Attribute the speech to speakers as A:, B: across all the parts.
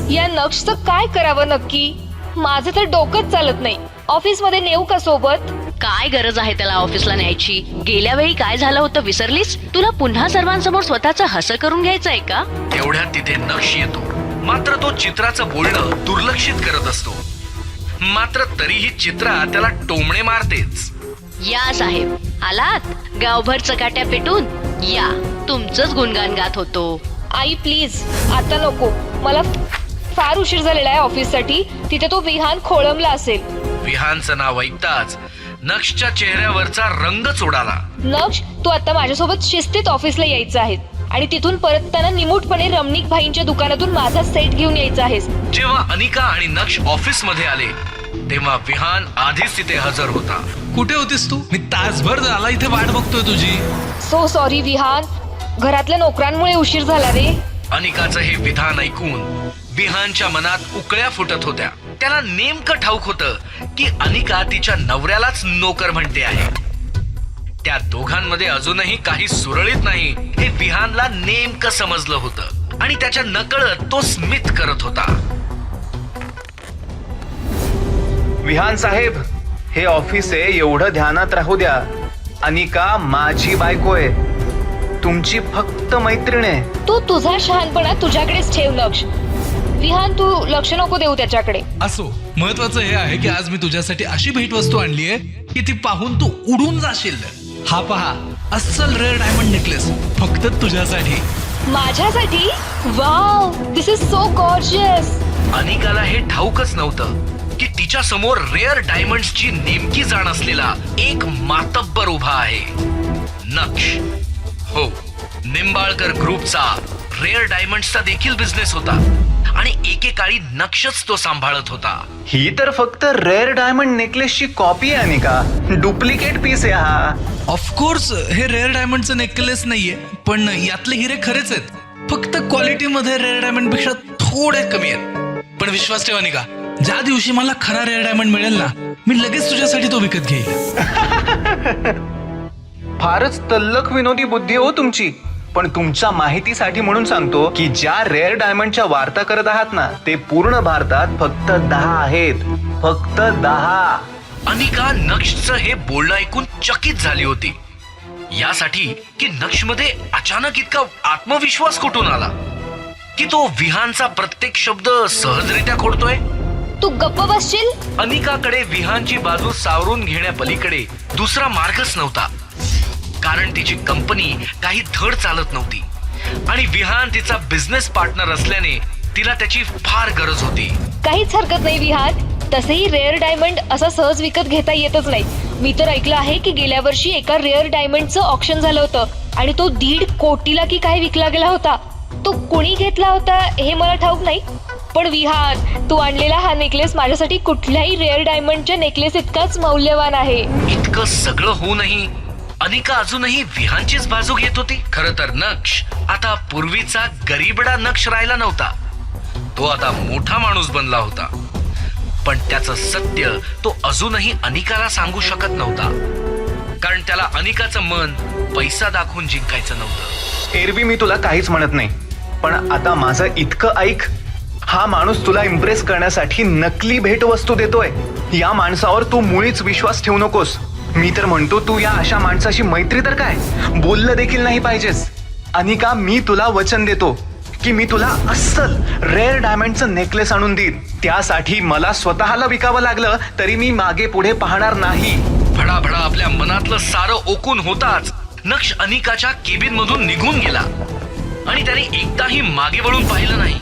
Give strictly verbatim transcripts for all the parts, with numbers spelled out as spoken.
A: या नक्षचं काय करावं नक्की? माझं तर डोकंच चालत नाही. ऑफिस मध्ये नेऊ का सोबत?
B: काय गरज आहे त्याला ऑफिसला न्यायची? गेल्या वेळी काय झालं होतं विसरलीस? तुला पुन्हा सर्वांसमोर स्वतःच हसं करून घ्यायचंय का?
C: तेवढ्यात तिथे नक्ष येतो, मात्र तो चित्राचं बोलणं दुर्लक्षित करत असतो. मात्र तरीही चित्रा त्याला टोमणे मारतेच.
B: या साहेब, आलात? गावभर चकाट्या पेटून या, तुमचंच गुणगान गात होतो.
A: आई प्लीज आता नको, मला फार उशीर झालेला आहे ऑफिससाठी. तिथे तो विहान खोळंबला असेल.
C: विहानचं नाव ऐकताच नक्षच्या चेहऱ्यावरचा रंगच उडाला.
A: नक्ष, तू आता माझ्यासोबत शिस्तीत ऑफिसला यायचं आहे आणि तिथून परतताना निमूटपणे रमणीक भाईंच्या दुकानातून माझा सेट घेऊन यायचा आहेस.
C: जेव्हा अनिका आणि नक्ष ऑफिस मध्ये आले तेव्हा विहान आधीच तिथे हजर होता.
D: कुठे होतीस तू? मी तासभर झाला इथे वाट बघतोय तुझी.
A: सो सॉरी विहान, घरातल्या नोकरांमुळे उशीर झाला रे.
C: अनिकाचं हे विधान ऐकून विहानच्या मनात उकळ्या फुटत होत्या. त्याला नेमकं ठाऊक होतं की अनिका तिच्या नवऱ्यालाच नोकर म्हणते आहे. त्या दोघांमध्ये अजूनही काही सुरळीत नाही हे विहानला नेमकं समजलं होतं आणि त्याच्या नकळत तो स्मित करत होता.
E: विहान साहेब, हे ऑफिस आहे एवढं ध्यानात राहू द्या. अनिका माझी बायको आहे, तुमची फक्त मैत्रीण आहे.
A: तू तुझा शहाणपणा तुझ्याकडेच ठेव नक्ष. विहान, तू लक्ष नको देऊ त्याच्याकडे.
D: असो, महत्वाचं हे आहे की आज मी तुझ्यासाठी अशी भेटवस्तू आणली आहे की ती पाहून तू उडून जाशील. हा पहा, अस्सल रेअर डायमंड नेकलेस फक्त तुझ्यासाठी.
A: माझ्यासाठी? Wow, this is so gorgeous.
C: अनिकाला हे ठाऊकच नव्हतं की तिच्या समोर रेअर डायमंड्सची नेमकी जाण असलेला एक मातब्बर उभा आहे. नक्ष. हो, निंबाळकर ग्रुपचा रेअर डायमंड्सचा देखील बिझनेस होता आणि एकेकाळी नक्षच तो सांभाळत होता.
E: ही तर फक्त रेअर डायमंड नेकलेसची कॉपी आहे अनिका, डुप्लिकेट पीस आहे हा.
D: ऑफकोर्स हे रेअर डायमंडचं नेकलेस नाहीये, पण यातले हिरे खरेच आहेत. फक्त क्वालिटी मध्ये रेअर डायमंड पेक्षा थोडे कमी आहेत. पण विश्वास ठेवा निका, ज्या दिवशी मला खरा रेअर डायमंड मिळेल ना, मी लगेच तुझ्यासाठी तो विकत घेईल.
E: फारच तल्लख विनोदी बुद्धी हो तुमची. पण तुमच्या माहितीसाठी म्हणून सांगतो की ज्या रेअर डायमंडच्या वार्ता करत आहात ना, ते पूर्ण भारतात फक्त दहा आहेत. फक्त दहा.
C: अनिका नक्षचं हे बोलणं ऐकून चकित झाली होती. यासाठी की नक्षमध्ये अचानक इतका आत्मविश्वास कुठून आला की तो विहानचा प्रत्येक शब्द सहजरित्या खोडतोय.
A: तू गप्प बसशील?
C: अनिकाकडे विहानची बाजू सावरून घेण्यापलीकडे दुसरा मार्गच नव्हता. कारण तिची कंपनी काही धड चालत नव्हती आणि विहान तिचा बिझनेस पार्टनर असल्याने तिला त्याची फार गरज होती.
A: काहीच हरकत नाही विहान, तसेही रेअर डायमंड असा सहज विकत घेता येतच नाही. मी तर ऐकलं आहे की गेल्या वर्षी एका रेअर डायमंडचं ऑक्शन झालं होतं आणि तो दीड कोटीला की काय विकला गेला होता. तो कोणी घेतला होता हे मला ठाऊक नाही, पण विहान, तू आणलेला हा नेकलेस माझ्यासाठी कुठल्याही रेअर डायमंडच्या नेकलेस इतकाच मौल्यवान आहे.
C: इतकं सगळं होऊनही अनिका अजूनही विहानचीच बाजू घेत होती. खरं तर नक्ष आता पूर्वीचा गरीबडा नक्ष राहिला नव्हता. तो आता मोठा माणूस बनला होता. पण त्याचं सत्य तो अजूनही अनिकाला सांगू शकत नव्हता, कारण त्याला अनिकाचं मन पैसा दाखवून जिंकायचं नव्हतं.
E: एरवी मी तुला काहीच म्हणत नाही, पण आता माझं इतकं ऐक. हा माणूस तुला इम्प्रेस करण्यासाठी नकली भेटवस्तू देतोय. या माणसावर तू मुळीच विश्वास ठेवू नकोस. मी तर म्हणतो तू या अशा माणसाशी मैत्री तर काय, बोललं देखील नाही पाहिजेस. अनिका, मी तुला वचन देतो की मी तुला अस्सल रेअर डायमंडचं नेकलेस आणून देईन. त्यासाठी मला स्वतःला विकावं लागलं तरी मी मागे पुढे पाहणार नाही.
C: भडाभडा आपल्या मनातलं सारं ओकून होताच नक्ष अनिकाच्या केबिन मधून निघून गेला आणि त्याने एकदाही मागे वळून पाहिलं नाही.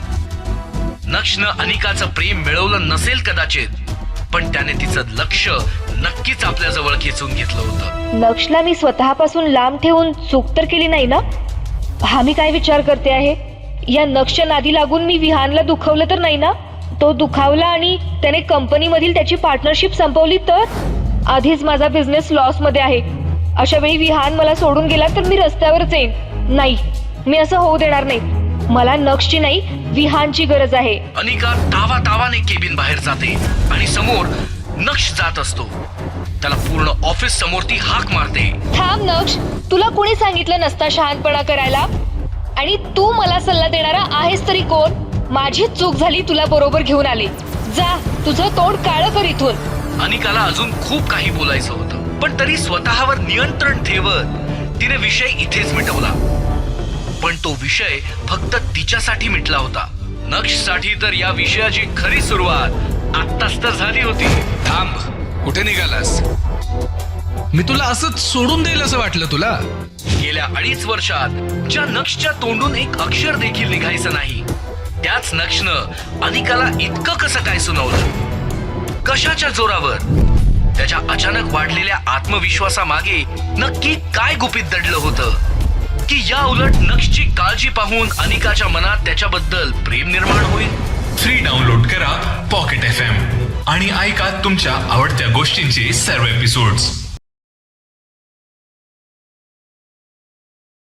C: नक्षनं अनिकाचं प्रेम मिळवलं नसेल कदाचित, पण त्याने तिचं लक्ष नक्कीच आपल्या जवळ खेचून घेतलं होतं.
A: नक्षला मी स्वतःपासून लांब ठेवून चूक तर केली नाही ना? हा मी काय विचार करते आहे? या नक्षच्या नादी लागून मी विहानला दुखवलं तर नाही ना? तो दुखावला आणि त्याने कंपनी मधील त्याची पार्टनरशिप संपवली तर? आधीच माझा बिझनेस लॉस मध्ये आहे. अशा वेळी विहान मला सोडून गेला तर मी रस्त्यावरच येईन. नाही, मी असं होऊ देणार नाही. मला नक्षची नाही, विहानची गरज आहे.
C: अनिका तावा तावाने केबिन बाहेर जाते आणि समोर नक्ष जात असतो. त्याला पूर्ण ऑफिस समोर ती हाक मारते.
A: थांब नक्ष, तुला कोणी सांगितलं नसता शहाणपणा करायला? आणि तू मला सल्ला देणारा आहेस तरी कोण? माझीच चूक झाली तुला बरोबर घेऊन आले. जा तुझं तोंड काळं कर इथून.
C: अनिकाला अजून खूप काही बोलायचं होतं, पण तरी स्वतःवर नियंत्रण ठेवत तिने विषय इथेच मिटवला. पण तो विषय फक्त तिच्यासाठी मिटला होता. नक्षसाठी तर या विषयाची खरी सुरुवात आत्ताच तर झाली होती.
D: थांब, कुठे निघालास? मी तुला असंच सोडून देईल असं वाटलं तुला?
C: गेल्या अडीच वर्षात ज्या नक्षच्या तोंडून एक अक्षर देखील निघायचं नाही, त्याच नक्षनं अनिकाला इतकं कसं काय सुनावलं? कशाच्या जोरावर? त्याच्या अचानक वाढलेल्या आत्मविश्वासामागे नक्की काय गुपित दडलं होतं की या उलट नक्षची काळजी पाहून अनिकाच्या मनात त्याच्याबद्दल प्रेम निर्माण होईल?
F: फ्री डाउनलोड करा पॉकेट एफ एम आणि ऐका तुमच्या आवडत्या गोष्टींचे सर्व एपिसोड्स.